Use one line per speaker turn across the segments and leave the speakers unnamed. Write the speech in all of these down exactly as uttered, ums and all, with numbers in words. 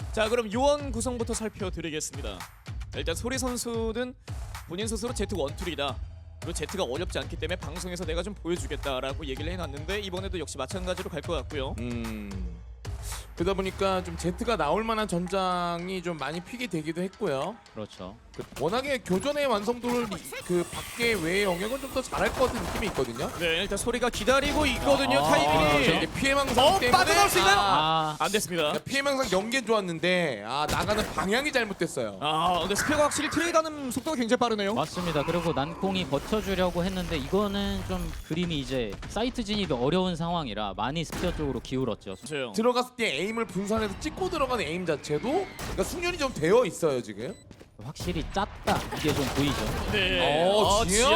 자, 그럼 요원 구성부터 살펴드리겠습니다. 일단 소리 선수는 본인 스스로 제트 원툴이다. 그리고 제트가 어렵지 않기 때문에 방송에서 내가 좀 보여주겠다라고 얘기를 해놨는데 이번에도 역시 마찬가지로 갈 것 같고요.
음. 그러다 보니까 좀 제트가 나올 만한 전장이 좀 많이 피게 되기도 했고요.
그렇죠.
그 워낙에 교전의 완성도를 이- 그 밖에 외의 영역은 좀 더 잘할 것 같은 느낌이 있거든요.
네, 일단 소리가 기다리고 있거든요.
아,
타이밍이.
이제 피해 망상
어,
때문에
빠져나올 수 있나요?
아,
안 됐습니다.
그러니까 피해 망상 연계 좋았는데 아 나가는 방향이 잘못됐어요.
아, 근데 스페가 확실히 트레이드하는 속도가 굉장히 빠르네요.
맞습니다. 그리고 난콩이 버텨주려고 했는데 이거는 좀 그림이 이제 사이트 진입이 어려운 상황이라 많이 스피어 쪽으로 기울었죠.
맞아요.
들어갔을 때 에임을 분산해서 찍고 들어가는 에임 자체도 그러니까 숙련이 좀 되어 있어요 지금.
확실히 짰다 이게 좀 보이죠.
네.
어, 지연.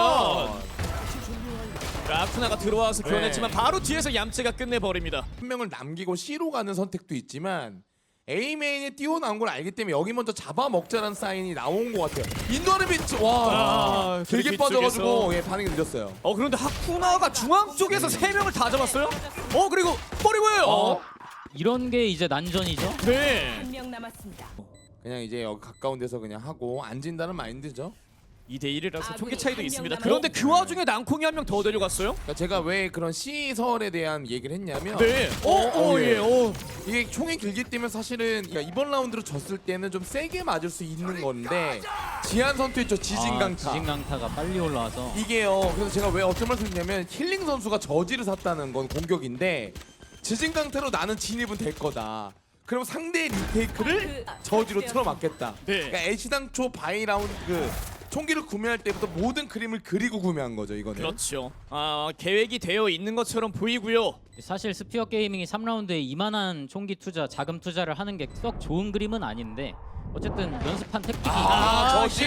라쿠나가 들어와서
네.
교환했지만 바로 뒤에서 얌체가 끝내버립니다.
한 명을 남기고 C로 가는 선택도 있지만 A 메인에 뛰어나온 걸 알기 때문에 여기 먼저 잡아먹자는 사인이 나온 것 같아요. 인도하는 비트 와
아,
길게
그
빠져가지고
뒤쪽에서.
예, 반응이 늦었어요.
어, 그런데 하쿠나가 중앙 쪽에서 세 명을 다 잡았어요? 어, 그리고 버리고요.
어, 이런 게 이제 난전이죠.
네.
한 명 남았습니다.
그냥 이제 여기 가까운 데서 그냥 하고 안 진다는 마인드죠.
이 대 일이라서
아군이
총기 차이도
한명
있습니다.
남았-
그런데 그 와중에 낭콩이 한 명 더 데려갔어요?
그러니까 제가 왜 그런 시설에 대한 얘기를 했냐면
네. 어,
어,
어,
예.
예. 어.
이게 총이 길기 때문에 사실은 그러니까 이번 라운드로 졌을 때는 좀 세게 맞을 수 있는 건데 지한 선수 있죠 지진강타.
아, 지진강타가 빨리 올라와서
이게요. 그래서 제가 왜 어떤 말씀드리냐면 힐링 선수가 저지를 샀다는 건 공격인데 지진강타로 나는 진입은 될 거다. 그럼 상대의 리테이크를 저지로 틀어막겠다.
네.
그러니까 애시당초 바이 라운드 그 총기를 구매할 때부터 모든 그림을 그리고 구매한 거죠 이거는.
그렇죠. 아, 계획이 되어 있는 것처럼 보이고요.
사실 스피어 게이밍이 삼 라운드에 이만한 총기 투자, 자금 투자를 하는 게 썩 좋은 그림은 아닌데 어쨌든 연습한 택틱이
아,
저지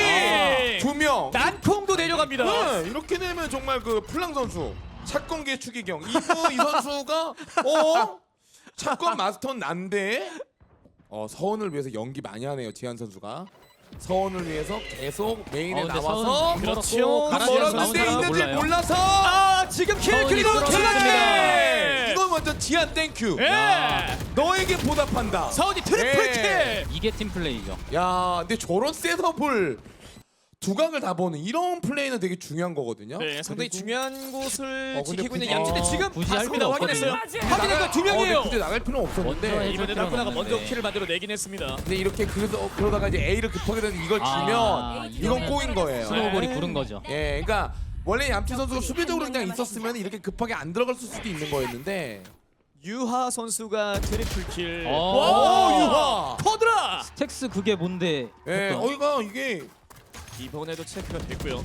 힐링!
두 명.
난콩도 내려갑니다.
네, 이렇게 되면 정말 그 플랑 선수 사건계 추기경 이분 이 선수가 어 사건 마스터는 난데 어 서원을 위해서 연기 많이 하네요 지한 선수가. 서원을 위해서 계속 메인에
어, 근데
나와서
서원
그렇죠.
가라지에서 나온
멀었는데
사람은
있는지
몰라요.
몰라서
아, 지금 킬
서운이
그리고
들어갔습니다.
킬라게.
이건 먼저 지한 땡큐.
예.
너에게 보답한다.
서운이 트리플
예.
킬.
이게 팀플레이죠.
야, 근데 저런 셋업을 두각을 다 보는 이런 플레이는 되게 중요한 거거든요.
네, 상당히
그리고-
중요한 곳을
어, 근데
지키고 있는
굳이-
얌체인데
어,
지금
굳이 할
봤습니다.
필요
확인했어요.
없거든요.
확인한 거두 명이에요.
어, 근데 굳이 나갈 필요는
먼저
없었는데.
해줄
이번에
필요는
라쿠나가 먼저
없는데.
킬을 만들어 내긴 했습니다.
근데 이렇게 그러다, 그러다가 이제 A를 급하게 되는 이걸
아,
주면 이건
이러면
꼬인 거예요.
스노우볼이
네.
구른 거죠.
예, 그러니까 원래 얌치 선수가 수비적으로 그냥 있었으면 이렇게 급하게 안 들어갔을 수도 있는 거였는데.
유하 선수가 트리플 킬.
어.
와,
오,
유하. 퍼드라.
스택스 그게 뭔데?
예,
했던.
어이가 이게
이번에도 체크가 됐고요.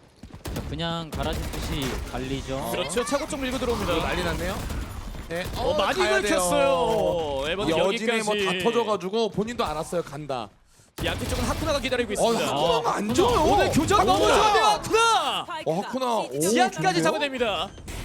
그냥 가라지듯이 갈리죠.
그렇죠. 차고 쪽 밀고
이거
들어옵니다.
난리 났네요. 네,
어, 많이
가야 돼요.
긁혔어요. 에버는
여진에
여기까지.
뭐 다 터져가지고 본인도 알았어요 간다.
양쪽 쪽은 하쿠나가 기다리고
어,
있습니다.
하쿠나가 안 줘요.
오늘 교전 너무
하쿠나.
좋은데요, 하쿠나.
어, 하쿠나. 오,
지하까지
좋은데요?
잡아냅니다.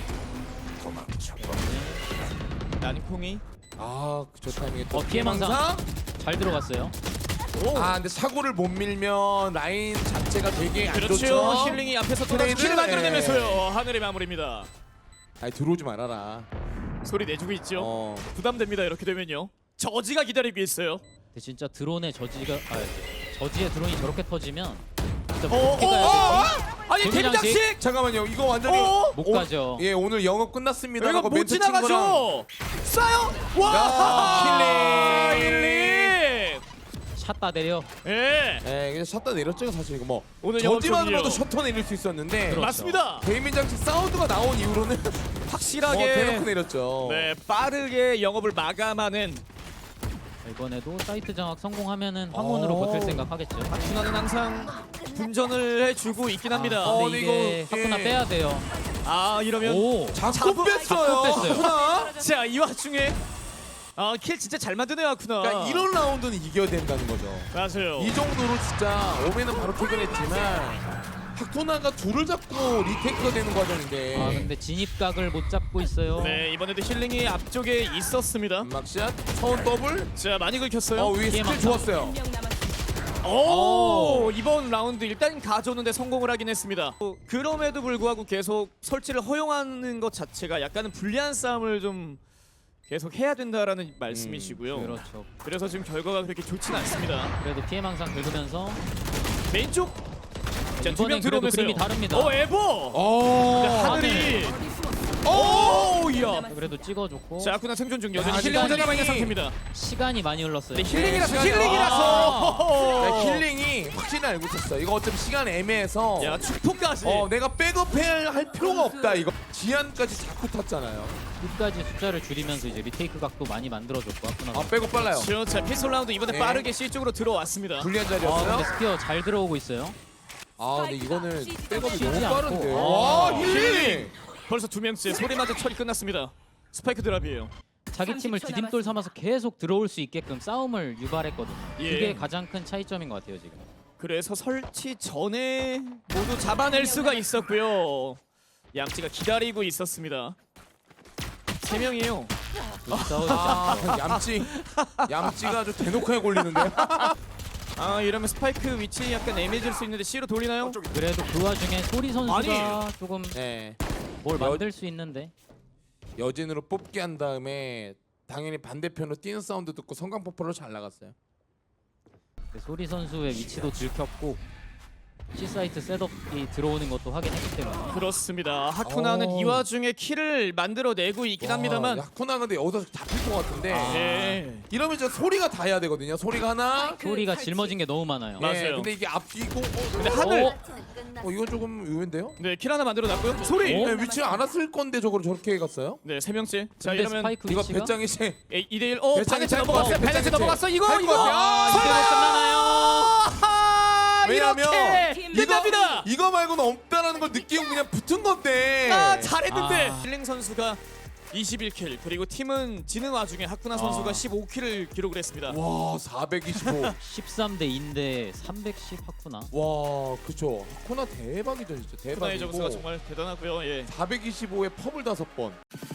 난콩이.
아, 저 타이밍에 또
어, 피해망상. 잘 들어갔어요.
오.
아, 근데 사고를 못 밀면 라인 자체가 되게 안
그렇죠.
좋죠.
힐링이 앞에서 또
트레이드?
킬을 만들어내면서요. 하늘의 마무리입니다.
아니 들어오지 말아라.
소리 내주고 있죠.
어.
부담됩니다. 이렇게 되면요. 저지가 기다리고 있어요.
근데 진짜 드론의 저지가 아, 저지의 드론이 저렇게 터지면 진짜
어,
어떻게
어,
가야
어?
되지?
아니
데미장식?
데미장식.
잠깐만요. 이거 완전히
어?
못
오,
가죠.
예, 오늘 영업 끝났습니다.
이거
하고
못
멘트 친 거랑
지나가죠. 쏴요. 와.
야, 힐링.
힐링.
샷다 내려.
예.
예, 그냥 샷다 내렸죠, 사실 이거 뭐.
오늘 영업
저지만으로도
중이에요.
셔터 내릴 수 있었는데
그렇죠.
맞습니다.
데이민 장치 사운드가 나온 이후로는 뭐
확실하게
대놓고 내렸죠.
네, 빠르게 영업을 마감하는
이번에도 사이트 장악 성공하면은 황혼으로
어.
버틸 생각 하겠죠.
준하는 항상 분전을 해주고 있긴 합니다.
아,
어,
근데
근데
이게
이거,
하쿠나
예.
빼야 돼요.
아, 이러면
오.
자꾸
자꾸
뺐어요.
자꾸 뺐어요.
하나?
자, 이 와중에 아, 킬 진짜 잘 만드네요, 아쿠나.
그러니까 이런 라운드는 이겨야 된다는 거죠.
맞아요.
이 정도로 진짜 오메는 바로 퇴근했지만 하쿠나가 둘을 잡고 리테이크가 되는 과정인데
아 근데 진입각을 못 잡고 있어요.
네, 이번에도 힐링이 앞쪽에 있었습니다.
막샷, 서운 더블.
자, 많이 긁혔어요.
어, 위에 스킬
피해망상.
좋았어요.
한 명 남았습니다.
오, 이번 라운드 일단 가져오는데 성공을 하긴 했습니다. 어, 그럼에도 불구하고 계속 설치를 허용하는 것 자체가 약간은 불리한 싸움을 좀 계속 해야 된다라는 말씀이시고요.
그렇죠.
그래서 지금 결과가 그렇게 좋진 않습니다.
그래도 피해망상 긁으면서
메인 쪽. 자, 두 명
이번엔 그래도
들어오면서요.
그림이 다릅니다.
어, 에버.
어.
근데 하늘이.
어디 숨었어?
오, 야.
그래도 찍어줬고
자, 아쿠나 생존 중 여전히
야,
힐링 혼자
시간이-
남아 있는 상태입니다.
시간이 많이 흘렀어요.
네, 힐링이라서
시간이-
힐링이라서.
네, 힐링이 확실히 알고 있었어. 이거 어차피 시간 애매해서
야, 축포까지.
어 내가 백업해야 할 필요가 없다. 이거 지안까지 자꾸 탔잖아요.
끝까지 숫자를 줄이면서 이제 리테이크 각도 많이 만들어줬고 아프나.
아 백업 빨라요.
그렇죠. 자, 피스톨 라운드 이번에
네.
빠르게 C 쪽으로 들어왔습니다.
불리한
아
자리였어요.
근데 스피어 잘 들어오고 있어요.
아 근데 이거는 백업이
쉬지
너무
않고.
빠른데.
아,
와 힐링.
벌써 두 명째 소리마저 처리 끝났습니다. 스파이크 드랍이에요.
자기 팀을
삼십 초
디딤돌 삼아서 계속 들어올 수 있게끔 싸움을 유발했거든요.
예.
그게 가장 큰 차이점인 것 같아요 지금.
그래서 설치 전에 모두 잡아낼 수가 있었고요. 양찌가 기다리고 있었습니다. 세 명이에요.
싸우지
아
않고.
얌찌 얌찌가 아주 대놓고 걸리는데.
아, 이러면 스파이크 위치 약간 애매해질 수 있는데 C로 돌리나요?
그래도 그 와중에 소리 선수가
아니.
조금
네.
뭘
여-
만들 수 있는데
여진으로 뽑기 한 다음에 당연히 반대편으로 뛰는 사운드 듣고 성광폭포로 잘 나갔어요.
그 소리 선수의 위치도 들켰고 C 사이트 셋업이 들어오는 것도 확인했기 때문에
그렇습니다. 하쿠나는
오.
이 와중에 킬을 만들어내고 있긴 합니다만.
야쿠나 근데 여기서 잡힐 것 같은데.
네.
이러면 이제 소리가 다 해야 되거든요. 소리가 하나.
소리가 짊어진 게 너무 많아요.
맞-
예,
맞아요.
근데 이게 앞뒤고. 어,
근데 하늘.
어?
어 이건 조금 의외인데요?
네, 킬 하나 만들어놨고요. 소리.
어?
네, 위치를 알았을 건데 저걸 저렇게 갔어요?
네, 세 명째. 자,
근데
이러면
스파이크
이거
위치가
배짱이 씨.
이 대 일. 어,
배짱이
바네트
찰것
넘어갔어요.
같아.
바네트
배짱이
넘어갔어. 이거
찰것
이거.
같아. 아,
이대로 끝나나요?
아,
왜냐면
이렇게
이거
끝납니다.
이거 말고는 없다라는 걸 느끼고 그냥 붙은 건데.
아, 잘했는데.
아.
힐링 선수가 이십일 킬, 그리고 팀은 지는 와중에 하쿠나 선수가
아.
십오 킬을 기록을 했습니다.
와 사백이십오.
십삼 대 이인데 삼백십 하쿠나.
와 그쵸. 코나 대박이죠 진짜
하쿠나의 점수가
대박이고.
정말 대단하고요. 예.
사백이십오에 펍을 다섯 번.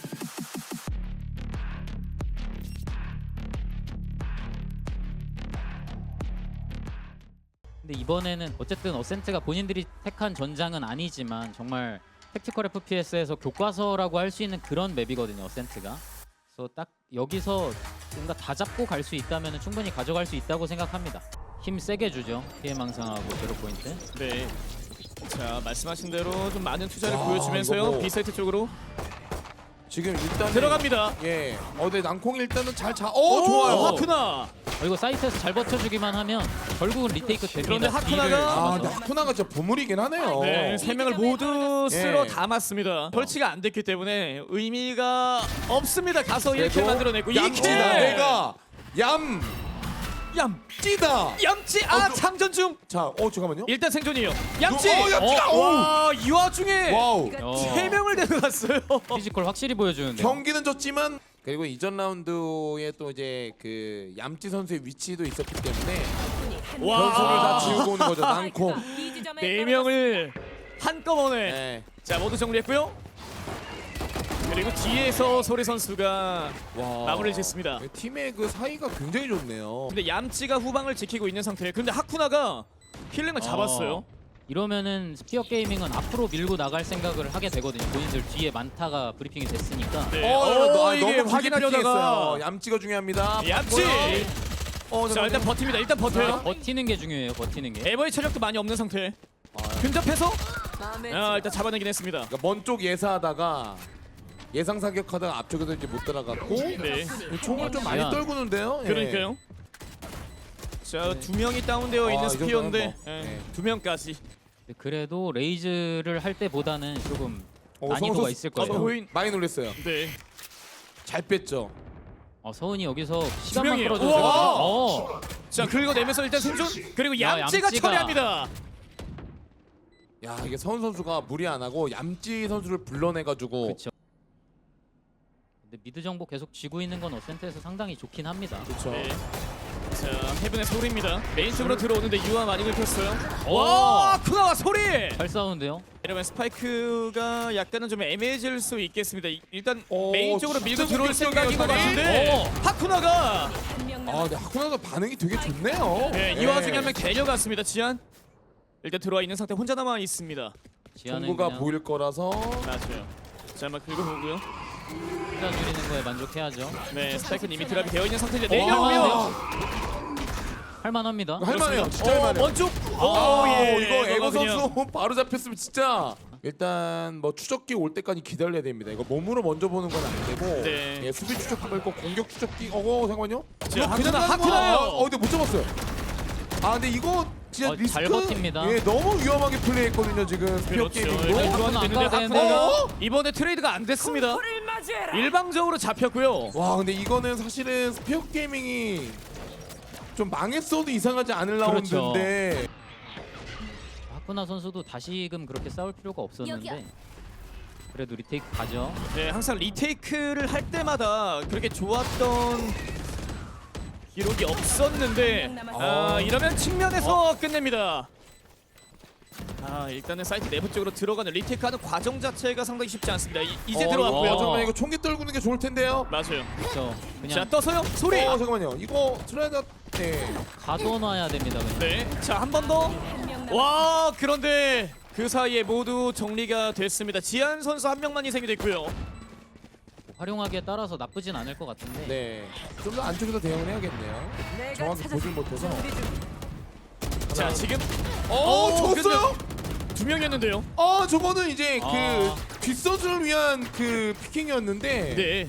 근데 이번에는 어쨌든 어센트가 본인들이 택한 전장은 아니지만 정말 택티컬 에프피에스에서 교과서라고 할 수 있는 그런 맵이거든요. 어센트가. 그래서 딱 여기서 뭔가 다 잡고 갈 수 있다면 충분히 가져갈 수 있다고 생각합니다. 힘 세게 주죠. 피해망상하고 제로 포인트.
네. 자, 말씀하신 대로 좀 많은 투자를
와,
보여주면서요.
이거 뭐-
B세트 쪽으로
지금 일단
들어갑니다.
예. 어, 근데 낭콩 일단은 잘 자. 어, 좋아요.
하쿠나.
어, 이거 사이트에서 잘 버텨주기만 하면 결국은 리테이크 됩니다.
그런데 하쿠나가-
B를
아,
잡아서.
근데 하쿠나가 진짜 보물이긴 하네요.
네, 세 명을 모두 쓸어
예.
담았습니다. 설치가 안 됐기 때문에 의미가 없습니다. 가서 일 킬
그래도
만들어내고 이 킬.
얌찌다. 내가 얌
얌.
찌다.
얌찌. 아,
어, 그-
장전 중.
자, 어 잠깐만요.
일단 생존이에요. 얌찌.
어, 얌찌다.
와, 이 와중에
와우.
어,
세 명을 데려갔어요.
피지컬 확실히 보여주는데.
경기는 졌지만 그리고 이전 라운드에 또 이제 그 얌찌 선수의 위치도 있었기 때문에
와.
변수를 다 지우고 오는 거죠. 낭콩.
네 명을 한꺼번에
네.
자, 모두 정리했고요. 그리고 뒤에서 소리 선수가
와.
마무리를 짓습니다.
팀의 그 사이가 굉장히 좋네요.
근데 얌찌가 후방을 지키고 있는 상태. 근데 하쿠나가 힐링을 잡았어요.
어, 이러면은 스피어 게이밍은 앞으로 밀고 나갈 생각을 하게 되거든요. 본인들 뒤에 많다가 브리핑이 됐으니까.
네.
어,
어,
너,
이게
너무
확인하려다가
확인하려다가 얌찌가 중요합니다.
얌찌.
어,
자,
잠깐만요.
일단 버팁니다. 일단 버텨요.
버티는 게 중요해요. 버티는 게.
에버의 체력도 많이 없는 상태.
아,
근접해서 아, 일단 잡아내긴 했습니다.
그러니까 먼 쪽 예사하다가 예상 사격하다가 앞쪽에서 이제 못 들어갔고
네.
총을 좀 많이
지안.
떨구는데요. 예.
그러니까요. 자, 두 명이 다운되어
아,
있는
이
스피어인데
정도면 뭐,
예,
네.
두 명까지.
그래도 레이즈를 할 때보다는 조금
어,
난이도가
성우
있을
어,
거예요.
보인.
많이 놀랐어요.
네.
잘 뺐죠.
어, 서은이 여기서 시간만
명이에요.
끌어줘도
우와!
되거든요. 어,
자, 긁어내면서 일단 생존. 그리고
야,
얌찌가
얌찌가.
처리합니다.
야 이게 서은 선수가 무리 안 하고 얌찌 선수를 불러내가지고
그렇죠. 근데 미드 정보 계속 쥐고 있는 건 어센트에서 상당히 좋긴 합니다.
그렇죠.
네. 자, 헤븐의 소리입니다. 메인 쪽으로 들어오는데 유아 많이 긁혔어요.
오!
와, 쿠나와 소리.
잘 싸우는데요.
이러면 스파이크가 약간은 좀 애매해질 수 있겠습니다. 이- 일단
오,
메인 쪽으로 밀고
진짜
들어올 생각인 것
공격적이에요,
같은데
오.
하쿠나가
아 근데 하쿠나가 반응이 되게 좋네요.
네, 이
예.
와중에 한 명 데려갔습니다. 지안 일단 들어와 있는 상태 혼자 남아 있습니다.
지하는
정보가
그냥
보일 거라서
맞아요. 자, 한번 긁어보고요.
혼자 누리는 거에 만족해야죠.
네, 스파이크는 이미 드랍이 되어 있는 상태인데
오,
내려오면
할만합니다.
할만해요. 진짜
어,
할만해요.
먼쪽.
아,
오, 예.
이거 에버
그냥.
선수 바로 잡혔으면 진짜 일단 뭐 추적기 올 때까지 기다려야 됩니다. 이거 몸으로 먼저 보는 건 안 되고
네.
예, 수비 추적기가 있고 공격 추적기. 어거 잠깐만요.
자,
이거
하트나,
가는
하트나요.
거야. 어 근데 못 잡았어요. 아 근데 이거 진짜
어,
리스크
잘 버팁니다.
예 너무 위험하게 플레이했거든요 지금 스피어
그렇죠.
게이밍도.
일단
이거
교환이
안
됐는데
가야 되는데.
하쿠나가
어?
이번에 트레이드가 안 됐습니다.
불을 맞이해라.
일방적으로 잡혔고요.
와 근데 이거는 사실은 스피어 게이밍이 좀 망했어도 이상하지 않을
그렇죠.
라운드인데
하쿠나 선수도 다시금 그렇게 싸울 필요가 없었는데
여기요.
그래도 리테이크 가죠.
네, 항상 리테이크를 할 때마다 그렇게 좋았던 기록이 없었는데 아, 이러면 측면에서 끝냅니다. 아, 일단은 사이트 내부 쪽으로 들어가는 리테이크하는 과정 자체가 상당히 쉽지 않습니다. 이, 이제
어,
들어왔고요.
이거 잠깐만 이거 총기 떨구는 게 좋을 텐데요.
맞아요.
그렇죠.
자,
그냥
떠서요. 소리.
어 잠깐만요. 이거 트라이다 네.
가둬놔야 됩니다. 그냥.
네. 자, 한 번 더. 와, 그런데 그 사이에 모두 정리가 됐습니다. 지한 선수 한 명만 희생이 됐고요.
활용하기에 따라서 나쁘진 않을 것 같은데.
네. 좀 더 안쪽에서 대응을 해야겠네요.
내가
정확히
찾았어.
보질 못해서.
준비 중.
자, 지금
어,
어,
줬어요?
두 명이었는데요.
아, 저거는 이제
아.
그 뒷선수를 위한 그 피킹이었는데.
네.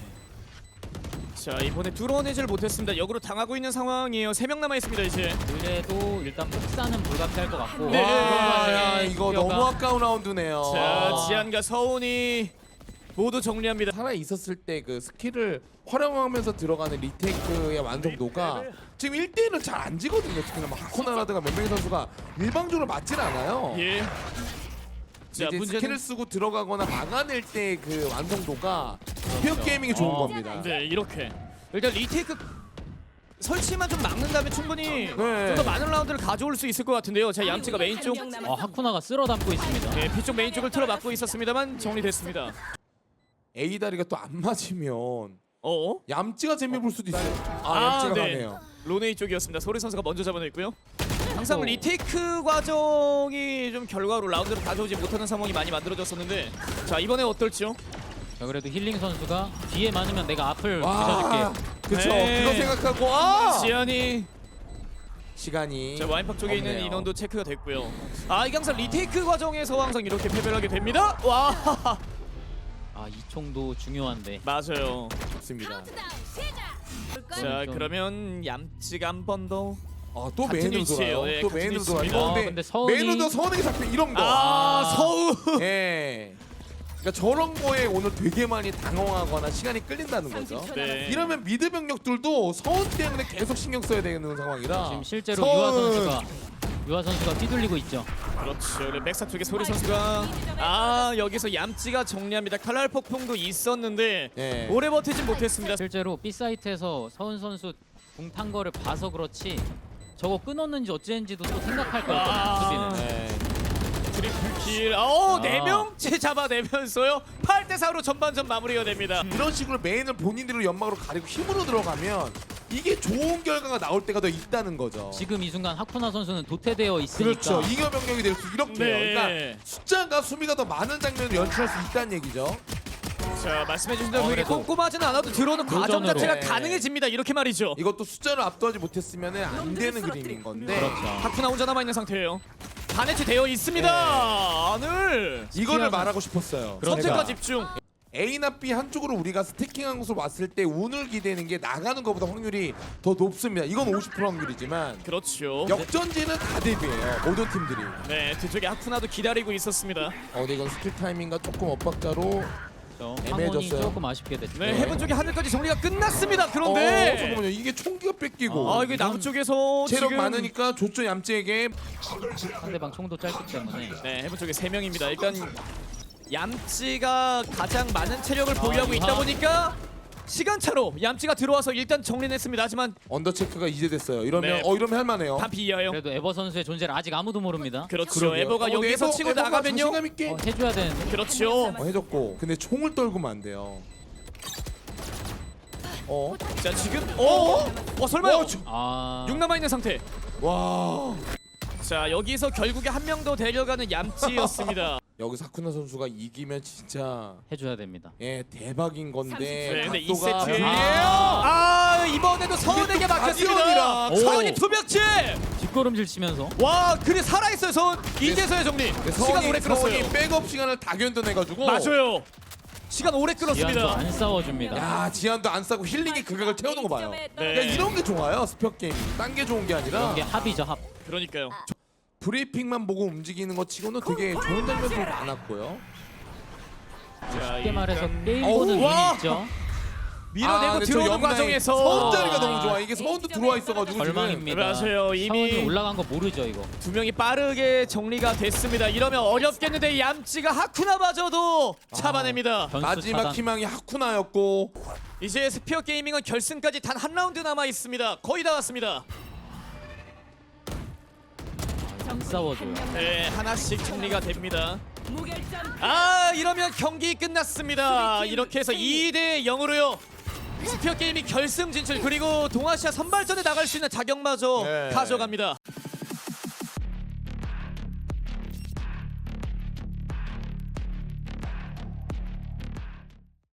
자, 이번에 뚫어내질 못했습니다. 역으로 당하고 있는 상황이에요. 세 명 남아 있습니다, 이제.
그래도 일단 폭사는 불가피할 것 같고.
네.
와, 야, 이거
스피어가-
너무 아까운 라운드네요.
자,
아.
지한과 서운이 모두 정리합니다.
살아 있었을 때 그 스킬을 활용하면서 들어가는 리테이크의 완성도가 지금 일 대 일은 잘 안 지거든요. 특히나 뭐 하코나라든가 몇 명의 선수가 일방적으로 맞질 않아요.
예. 자,
이제
문제는
스킬을 쓰고 들어가거나 막아낼 때 그 완성도가 스피어 게이밍이 좋은
어.
겁니다.
네, 이렇게. 일단 리테이크 설치만 좀 막는다면 충분히 좀 더 많은 라운드를 가져올 수 있을 것 같은데요. 자, 얌치가 메인 쪽,
아, 하쿠나가 쓸어 담고 있습니다.
네, B쪽 메인 쪽을 틀어 막고 있었습니다만 정리됐습니다.
A 다리가 또 안 맞으면
어?
얌찌가 재미 볼 수도 있어요. 아,
아,
얌찌가
네.
가네요.
로네이 쪽이었습니다. 소리 선수가 먼저 잡아냈고요. 항상
어.
리테이크 과정이 좀 결과로 라운드를 가져오지 못하는 상황이 많이 만들어졌었는데 자, 이번에 어떨지요?
자, 그래도 힐링 선수가 뒤에 많으면 내가 앞을
와,
부셔줄게.
그쵸.
네.
그거 생각하고 아
지한이
시간이
자, 와인팍 쪽에 있는
없네요.
인원도 체크가 됐고요. 아, 이게 항상 리테이크 과정에서 항상 이렇게 패배를 하게 됩니다. 와,
아, 이 총도 중요한데.
맞아요.
좋습니다.
자,
좀-
그러면 얌찌가 한 번 더.
아, 또
같은
메인으로
위치예요.
돌아요.
예,
또
같은
메인으로 돌아요.
위치입니다.
이거
아,
근데,
근데 서운이-
메인으로 서운하게 잡혀 이런 거.
아, 서우.
예. 그러니까 저런 거에 오늘 되게 많이 당황하거나 시간이 끌린다는 거죠.
네.
이러면 미드 병력들도 서운 때문에 계속 신경 써야 되는 상황이라.
지금 실제로
서운.
유아 선수가 유아 선수가 휘둘리고 있죠.
그렇죠. 그리고 백사 쪽에 소리 선수가 아, 여기서 얌찌가 정리합니다. 칼날 폭풍도 있었는데
예.
오래 버티진 못했습니다.
실제로 B 사이트에서 서은 선수 궁탄 거를 봐서 그렇지 저거 끊었는지 어찌했는지도 또 생각할 거예요.
아.
수비는.
예.
트리플킬. 어,
아.
네 명째 잡아내면서요. 팔 대 사로 전반전 마무리가 됩니다.
이런 식으로 메인을 본인들로 연막으로 가리고 힘으로 들어가면 이게 좋은 결과가 나올 때가 더 있다는 거죠.
지금 이 순간 하쿠나 선수는 도태되어 있으니까
그렇죠. 잉여 병력이 될 수 이렇게요.
네.
그러니까 숫자가 수비가 더 많은 장면을 연출할 수 있다는 얘기죠.
자, 말씀해주신 대로
어,
이게
그래도
꼼꼼하진 않아도 들어오는 과정
도전으로.
자체가
네.
가능해집니다. 이렇게 말이죠.
이것도 숫자를 압도하지 못했으면 안 되는 그림인 건데
그렇죠.
하쿠나 혼자 남아 있는 상태예요. 반해치 되어 있습니다. 안을
이거를
스피어는-
말하고 싶었어요.
선택과
제가
집중.
A나 B 한쪽으로 우리가 스태킹한 곳으로 왔을 때 운을 기대는 게 나가는 것보다 확률이 더 높습니다. 이건 오십 퍼센트 확률이지만
그렇죠.
역전지는 다 대비해요. 모든 팀들이.
네, 뒤쪽에 하쿠나도 기다리고 있었습니다.
어, 근데 이건 스킬 타이밍과 조금 엇박자로
황혼이
애매해졌어요.
조금 아쉽게 됐죠.
네, 해븐 쪽에 하늘까지 정리가 끝났습니다.
어,
그런데
잠깐만요. 이게 총기가 뺏기고
아, 이게 남부 쪽에서
체력
지금
많으니까 조조 얌찌에게
상대방 총도 짧기 때문에
네, 해븐 쪽에 세 명입니다. 일단 얌찌가 가장 많은 체력을 보유하고
아,
있다
유하.
보니까 시간차로 얌찌가 들어와서 일단 정리는 했습니다. 하지만
언더 체크가 이제 됐어요. 이러면
네.
어 이러면 할만해요.
반피 이하요.
그래도 에버 선수의 존재를 아직 아무도 모릅니다.
그렇죠.
그러게요.
에버가
어,
여기서
에버,
치고
에버가
나가면요.
자신감 있게
어, 해줘야 되는데.
그렇죠.
어, 해줬고 근데 총을 떨구면 안 돼요. 어?
자, 지금 어? 어, 설마요?
어, 저-
아,
육 남아 있는 상태.
와.
자, 여기서 결국에 한 명 더 데려가는 얌찌였습니다.
여기서 하쿠나 선수가 이기면 진짜
해줘야 됩니다.
예 대박인 건데
네, 근데 이
각도가
세트에
아,
아 이번에도 서은에게 막혔습니다.
가디언이라.
서은이 두 명째.
뒷걸음질 치면서
와 그래 살아있어요 서은. 이제서야 정리.
네,
시간 오래
서원이,
끌었어요.
서원이 백업 시간을 다 견뎌내가지고
맞아요. 시간 오래
지한도
끌었습니다.
안 싸워줍니다.
야 지한도 안 싸고 힐링이 극악을 태우는 거 봐요.
네.
야, 이런 게 좋아요 스피어 게임. 딴 게 좋은 게 아니라
이런 게 합이죠 합.
그러니까요.
브리핑만 보고 움직이는 것 치고는 되게 좋은 장면도 많았고요.
자,
쉽게 말해서
일단-
게임
어우,
보는
와!
눈이 있죠.
밀어내고
근데 저
들어오는
옆라인
과정에서
서운 자리가
아.
너무 좋아. 이게 서운도 들어와 있어가지고 지금
절망입니다.
맞아요. 이미
서운이 올라간 거 모르죠 이거.
두 명이 빠르게 정리가 됐습니다. 이러면 어렵겠는데 얌찌가 하쿠나마저도 잡아냅니다.
변수
마지막
차단.
희망이 하쿠나였고
이제 스피어 게이밍은 결승까지 단 한 라운드 남아 있습니다. 거의 다 왔습니다.
안 싸워줘요.
네, 하나씩 정리가 됩니다.
무결점.
아, 이러면 경기 끝났습니다. 이렇게 해서 이 대 영으로요. 스피어 게이밍 결승 진출 그리고 동아시아 선발전에 나갈 수 있는 자격마저
네.
가져갑니다.